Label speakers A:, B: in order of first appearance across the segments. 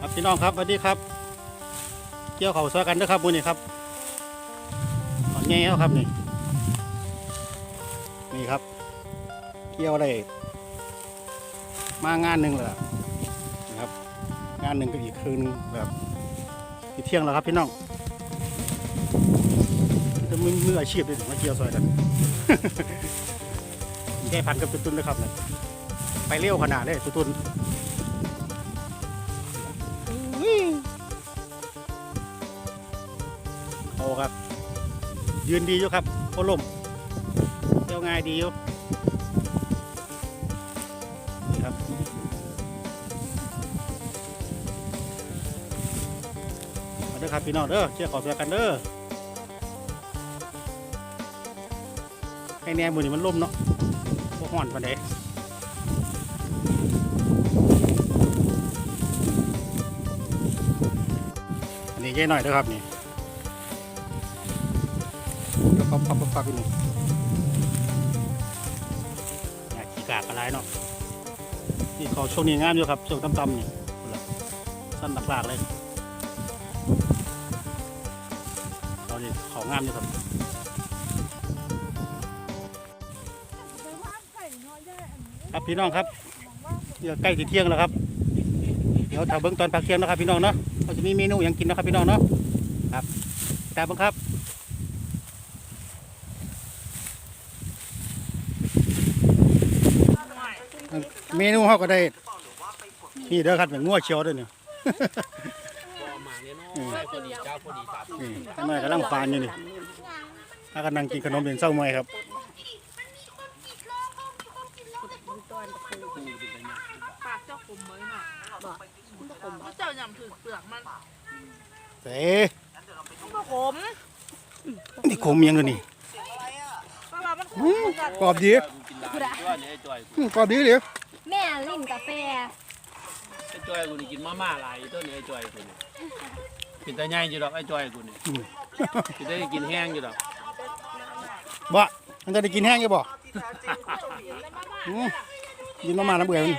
A: ครับพี่น้องครับสวัสดีครับเกี่ยวเขาซอยกันนะครับบุญนี่ครับตอนนี้ครับนี่ครับเกี่ยวได้มางานหนึ่งเลยนะครับงานหนึ่งก็อีกคืนแบบที่เที่ยงแล้วครับพี่น้องจะมืออาชีพเลยมาเกี่ยวซอยกันแค่พันกับตุ้นๆเลยครับเนี่ยไปเร็วขนาดเลยตุ้นโอ้ครับยืนดีอยู่ครับโคล่มเที่ยวง่ายดีอยู่ครับมาเด้อครับพี่น้องเด้อเชี่ยขอเสือกันเด้อให้แน่มือนี่มันล่มเนาะพวกห่อนปานใดอันนี้แย่หน่อยเด้อครับนี่ปักอยู่อยากขี้กากอะไรเนาะที่เขาช่วงนี้งามอยู่ครับช่วงต่ำๆนี่สั้นหลักๆเลยเขานี่เขางามอยู่ครับครับพี่น้องครับเดี๋ยวใกล้ที่เที่ยงแล้วครับเดี๋ยวถ้าเบิ้งตอนพักเที่ยงนะครับพี่น้องเนาะเขาจะมีเมนูอย่างกินนะครับพี่น้องเนาะครับแต่บังครับเมนูเขาก็ได้นี่เด้อครับอย่างงัวเชียวด้วยเนี่ยนี่กำลังฟานอยู่นี่ถ้ากำลังกินขนมเป็นเศร้าเมื่อยครับ
B: ปากเจ้าขมไหมน่ะเจ้าย่ำถือเปลือกมัน
A: เต้
B: ขม
A: นี่ขมยังเลยนี่กรอบดีกรอบดีเลย
C: แม่ลิ้นกาแฟ
D: ไอ้จอยกูนี่กินมาม่าหลายตัวนี้ไอ้จอยกูนี่กินแต่ใหญ่อยู่ดอกไอ้จอยกูนี่กินได้กินแห้งอยู่ดอก
A: บ่มันจะได้กินแห้งยังบ่กินมาน้ำเบื่อมัน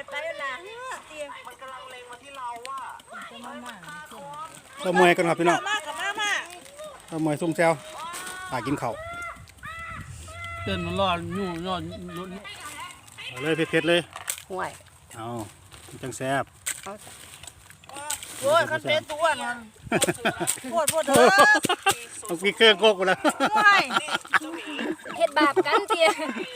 A: เรามวยกันครับพี่น้องเรามวยซุ่มแซวหากินข้าว
D: เต้นมันรอดยุ่งรอด
A: เลยเผ็ดๆเลย
B: ห่วย
A: เอาจังแซ่บ
B: โอ้ยคันเป็นตัวนั่นปวดเถอะ
A: ต้องกินเครื่องโกกแล้ว
C: เฮ็ดบาปกันเตี้ย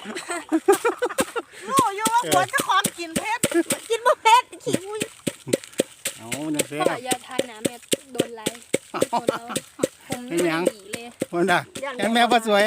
B: รู้อยู่ว่าควรจะของกินเผ็ดกินบ่เผ็ดขี้มุ้ย
A: เอาจังแซ่บ
C: อย่าทายนะแม่โดนไล่ผมไม่ดีเลย
A: วันน่ะแม่พ่อสวย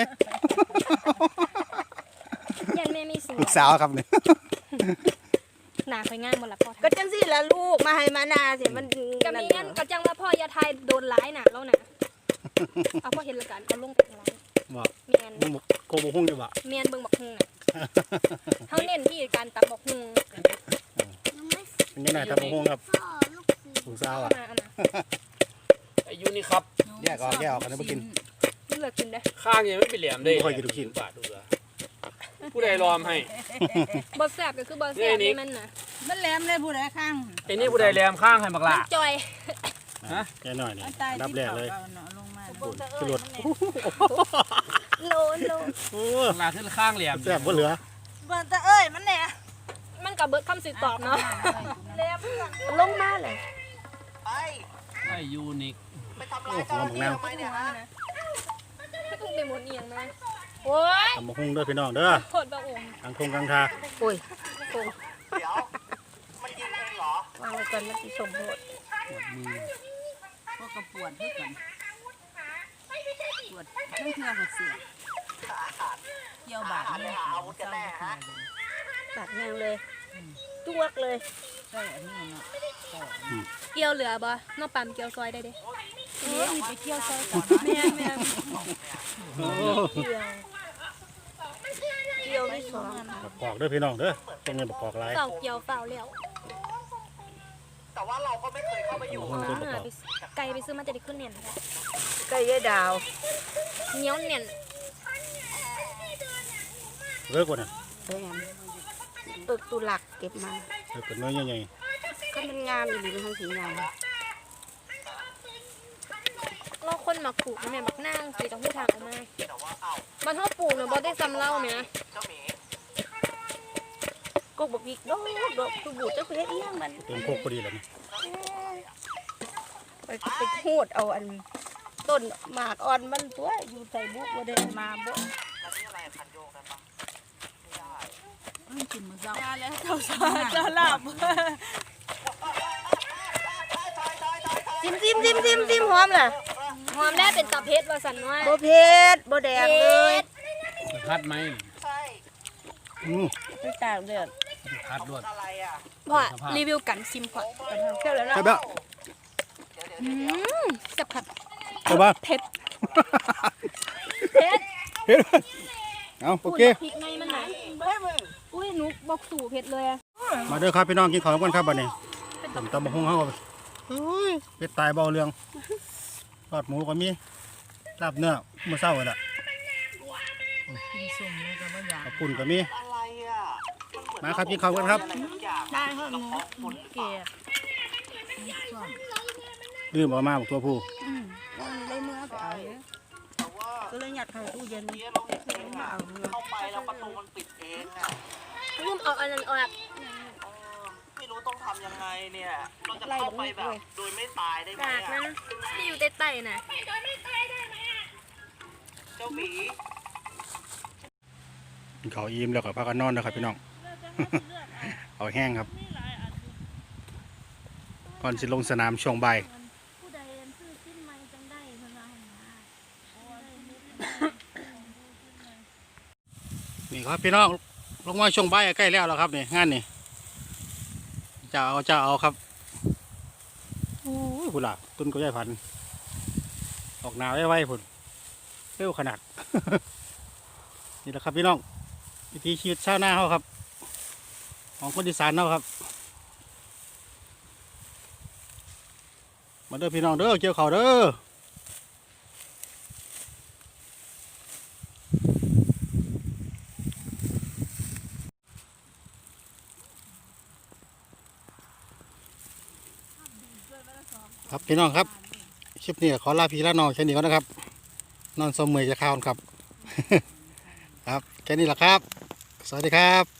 C: ยันแม่มีสูง
A: ลูกสาวครับเนี่ย
C: หนาคอยง่ายหมดละพ่อ
B: ก็จังสิละลูกมาให้มานาสิมัน
C: ก็มีงั้นก็จังว่าพ่ออย่าทายโดนไล่น่ะแล้วน่ะเอาพ่อเห็นละกันเอาลงไปไล่แมน
A: โกบหุ่งอยู่บ่
C: แมนเบิ่งบักหุ่งน่ะเขาเน้นที่การตักบักหุ่ง
A: เป็นยังไงตักบักหุ่งครับลูกสาวอ่ะ
D: ไอ้ยูนี่ครับ
A: แยกออกกันไม่กิน
C: ไม่เลือกกินได้
D: ข้างยังไม่เป็นแหลมได้
A: ค่อยกินทุกชิ้น
D: บาทดูละผู้ใดรอมให้
C: บอสแสบก็คือบอสแสบนี่มันน่ะ
B: มันแหลมเลยผู้ใดข้าง
D: ไอ้นี่ผู้ใดแหลมข้างให้บักละ
C: จอย
A: ฮะแค่หน่อยนี่รับแรกเลยขึ้นรถ
C: โล
D: โอ้ลาขึ้นข้างแหลม
A: แซ่บบ่เหลือ
B: เบิ่งแต่เอ้ยมันแหน่
C: มันกับเบิร์ดคำสิตอบเนาะแหลมลงมาเลย
D: ไอ้ยูนิค
B: ไปทำลายเจ้าที่ทำไมเนี่ยฮะ
C: ไม่ต้องไปหมดเอียงนะโอ้ย
A: ทำบักหุ่งเด้อพี่น้องเด้อ
C: โคตรบ้าอง
A: กลางทงกลางทา
B: โอ้ยเดี๋ยวมันกินเองเหรอวางไว้ก่อนมันสิสมโพธิพวกกระปวดให้ก่อนปวดทั้งเทือกเสียเกี่ยวบาดเนี่ยอาวุธกันแน่ฮะ
C: บาดแมงเลยจุกเลย
B: ใช่อันนี้เนาะ
C: เกี่ยวเหลือบ่นอกปั๊มเกี่ยวซอยได้เด้
B: ไปเกี่ยวซอยก่อน
C: แม่
B: เกี่ยวไม่สอง
A: ปอกเด้อพี่น้องเด้อต้องเงินปอกหลาย
C: เฝ้าเกี่ยวเฝ้าแล้ว
B: แต่ว่าเราก็ไม่เคยเข้าไปอยู่
C: ไก่ไปซื้อมาจะได้ขึ้นเนียน
B: ไก่ยายดาว
C: เหนียวเนียน
A: เลิกก่อนนะ
B: ตึกตุลักเก็บมา
A: เลิกก่อนเนื้อใหญ่
B: ก็มันงามอยู่ดีมันทั้งสีงาม
C: เราคนหมักปลูกนะแม่บักนางสีกับผู้ทางออกมามันเท่าปลูกเนี่ยบ่ได้ซ้ำเล่าไหมนะ
B: กบอีกดอกคือบูดเจ้าเฮ็ดอีหยังมัน
A: เต็มโคกพอดีเลยนี่
B: ไปโคดเอาอันต้นหมากอ่อนมันตัวอยู่ใส่บุกบ่ได้มาบ่กินมื้อเช้าแล้วเจ้าสาเจ้าลาบ
C: ซิมหอมน่ะหอมแล้วเป็นตาเพชรว่าสันว่า
B: บ่เผ็ดบ่แดงเลย
D: คัดไหม
B: ไปตากเดือด
D: คัดด้วย
C: พ่อรีวิวกันซิมก่อน
B: เจ้าแล้วนะ
A: ใช่ปะ
C: แซ่บครับ
A: ใช่ปะ
C: เผ็ด
A: เฮ็ดเอาโอเค
C: พริกในมันไหนอุ้ยหนูบอกสู่เผ็ดเลยอะ
A: มาเด้อครับพี่น้องกินข้าวกันครับบัดนี้ผมตำบักหุ่งเฮาเป็ดตายเบาเรื่องทอดหมูก็มีลาบเนื้อมื้อเช้าน่ะขอบคุณก็มีมาครับกินข้าวกันครับ
B: ได้เฮาหนูเกลีย
A: ลืมเอามาบอกตัวผู้
B: ได้เมื่อไปเอาเลยก็เลยยัดเข้าตู้เย็นมาเอาเนื้อ
E: เข้าไปแล้วประตูมันปิดเองอ่ะ
C: รุ่มเอาอันนั้นออก
E: ไม่รู้ต้องทำยังไงเนี่ย เราจะเข้าไปแบบโดยไม่ตายได้ไหม
C: กาก
E: อ่ะ
C: นะที่อยู่ใต้ๆน่ะ
E: เจ้าหมี
A: กินข้าวอิ่มแล้วก็พากันนอนนะครับพี่น้อง เอาแห้งครับก่อนสิลงสนามช่วงบ่ายนี่ครับพี่น้องลงมาช่วงบ่ายใกล้แล้วครับนี่งานนี่จะเอาครับโอ้ยพุ่นล่ะต้นก็ใหญ่พันธุ์ออกหนาวไว้พุ่นเร็วขนาด นี่แหละครับพี่น้องวิถีชีวิตชาวนาเขาครับของคนอีสานเขาครับมาเด้อพี่น้องเด้อเกี่ยวข้าวเด้อครับพี่น้องครับคลิปนี้ขอลาพี่ลาน้องแค่นี้ก่อนนะครับนอนสมมือจะข้าวครับ ครับแค่นี้แหละครับสวัสดีครับ